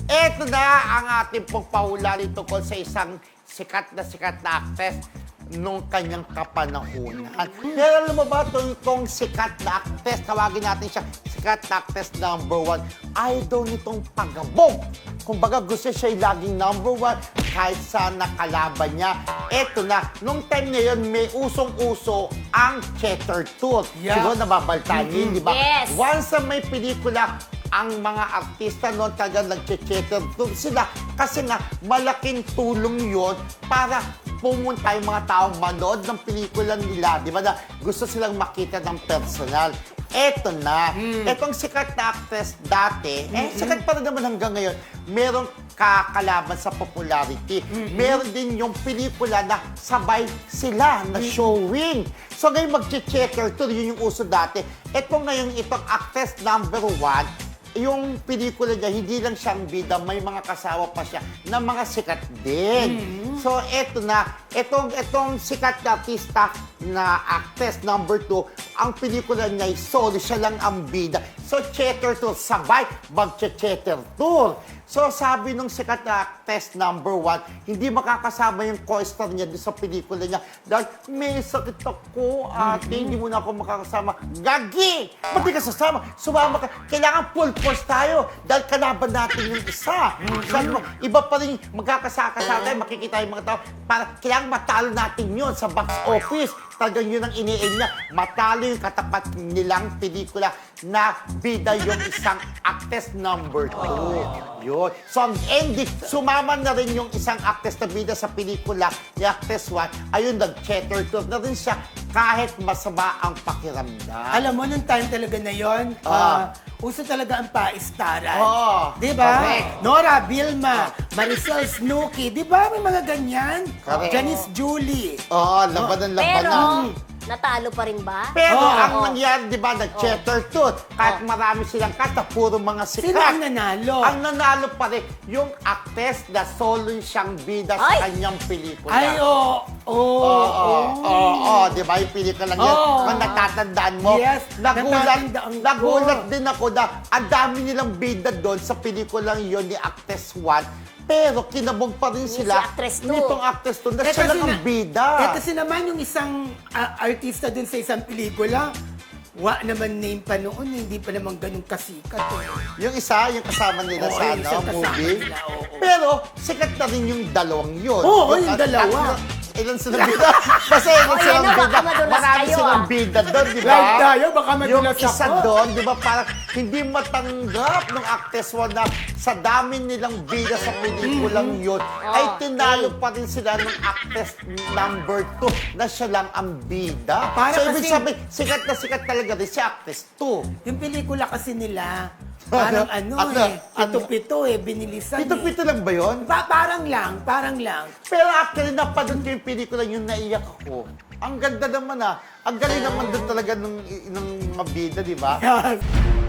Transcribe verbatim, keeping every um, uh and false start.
Eto na ang ating pong pahula tungkol sa isang sikat na sikat na actress nung kanyang kapanahunan. Pero alam mo ba, itong, itong sikat na actress, tawagin natin siya sikat na actress number one, idol nitong pagabog. Kumbaga gusto siya yung laging number one kahit sa nakalaban niya. Eto na, nung time na yun, may usong-uso ang Cheddar Tooth. Yeah. Siguro nababaltaan mm-hmm. yun, di ba? Yes. Once na may pelikula, ang mga artista noon talaga nag-checker tooth sila kasi nga malaking tulong yon para pumunta yung mga taong manood ng pelikula nila, di ba, na gusto silang makita ng personal. Eto na, mm. etong sikat na actress dati, mm-hmm. eh sikat pa rin naman hanggang ngayon, merong kakalaban sa popularity. Mm-hmm. Meron din yung pelikula na sabay sila na mm-hmm. showing. So ngayon mag-checker tour, yun yung uso dati. Eto ngayon, itong actress number one, yung pelikula niya, hindi lang siyang bida, may mga kasama pa siya na mga sikat din. Mm-hmm. So, eto na, etong, etong sikat na artista na actress number two, ang pelikula niya ay solo, siya lang ang bida. So, checker tour, sabay, mag-checker tour. So, sabi nung sikat na actress number one, hindi makakasama yung co-star niya doon sa pelikula niya dahil may sakit ako, ate, mm-hmm. hindi mo na ako makakasama. Gagi! Ba't di ka sasama? Sumama ka. Kailangan full force tayo dahil kalaban natin yung isa. Mm-hmm. Sabi mo, iba pa rin magkakasakasama tayo, makikita yung mga tao. Para kailangan matalo natin yun sa box office. Talagang yun ang ini-aim niya. Matalo yung katapat nilang pelikula na bida yung isang actress number two. Yun. So, ang ending, sumama na rin yung isang actress na bida sa pelikula ni actress one. Ayun, nag-checker tour na rin siya kahit masama ang pakiramdam. Alam mo, nung time talaga na yun, Ah. uh, uso talaga ang paistaran. Oo. Di ba? Correct. Nora, Vilma, Maricel Snooki, di ba may mga ganyan? Correct. Janice Julie. Oo, laban ng laban Pero, na. natalo pa rin ba? Pero Oo. ang nangyari, di ba, nag-checker tooth. Kahit marami silang kanta, puro mga sikat. Sino ang nanalo? Ang nanalo pa rin, yung actress na solo siyang bida sa Ay! kanyang pelikula. Ay, oo. Oo. Oo, oo, oo, di ba, yung pelikula lang yan. Oo. Kung natatandaan mo, Yes, nagulat, natatandaan ko. nagulat din ako na ang dami nilang bida doon sa pelikulang yun ni Actress one. Pero kinabog pa rin Ni sila si Actress two. nitong Actress two na Eh, siya kasi lang ang na- bida. Eh, kasi naman yung isang ah, artista dun sa isang pelikula, wa naman name pa noon, hindi pa naman ganun kasikat. Eh. Yung isa, yung kasama nila Oo, sa yung ano, isang kasama movie. nila, oo. Pero sikat na rin yung dalawang yun. Oo, yung at- dalawa. at- ilan silang bida? Basta ilan Oh, silang yan na, baka bida. madulas Marami kayo, silang ah. bida doon, di ba? Like tayo, baka Yung madulas isa ako. doon, di ba, parang hindi matanggap ng actress one na sa dami nilang bida sa pelikulang yun, ay tinalo pa rin sila ng actress number two na siya lang ang bida. Para so, ibig kasi- sabihin, sikat na sikat talaga rin si actress two. Yung pelikula kasi nila, parang ano, Ano? eh, Ano? pito-pito eh, binilisan Pito-pito eh. lang ba yun? Pa- parang lang, parang lang. Pero actually, napanood ko yung pelikula yung naiyak ako. Ang ganda naman ah. Ang galing naman doon talaga ng, ng mga bida, di ba? Yes.